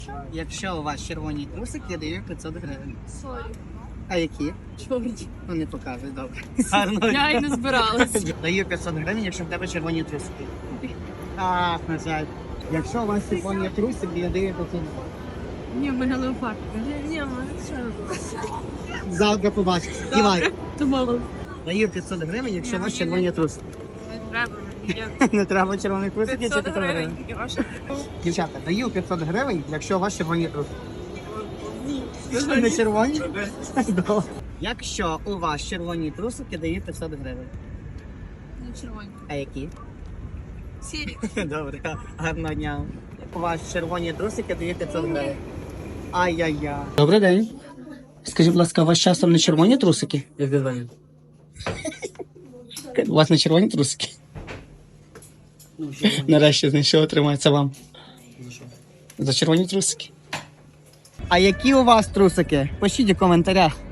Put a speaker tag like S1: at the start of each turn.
S1: Якщо у вас червоні трусики, я даю 500 гривень.
S2: Сорі.
S1: А які?
S2: Чорні.
S1: Ну не показуй, добре. Гарно.
S2: Я й не збиралась.
S1: Даю 500 гривень, якщо в тебе червоні трусики. Ах, на жаль. Якщо у вас червоні трусики, я даю 500 гривень.
S2: Ні, в мене леопард. Ні, в мене що?
S1: Завтра побачиш. Дівай.
S2: Думала.
S1: Даю 500 гривень, якщо у вас червоні трусики.
S2: Не треба мені.
S1: Не треба червоних трусиків,
S2: 500
S1: 500 гривень.
S2: гривень.
S1: Дівчата, даю 500 гривень, якщо у вас червоні трусики. Не червоні? Добре. Якщо у вас червоні трусики, даю 500 гривень.
S2: Не червоні.
S1: А які?
S2: Сірі.
S1: Добре, гарного дня. У вас червоні трусики, даю 500 гривень. Ай-яй-яй. Добрий день. Скажіть, будь ласка, у вас часом не червоні трусики?
S3: Як ти звонив?
S1: У вас не червоні трусики? Нарешті знайшов, тримається вам. За червоні трусики. А які у вас трусики? Пишіть у коментарях.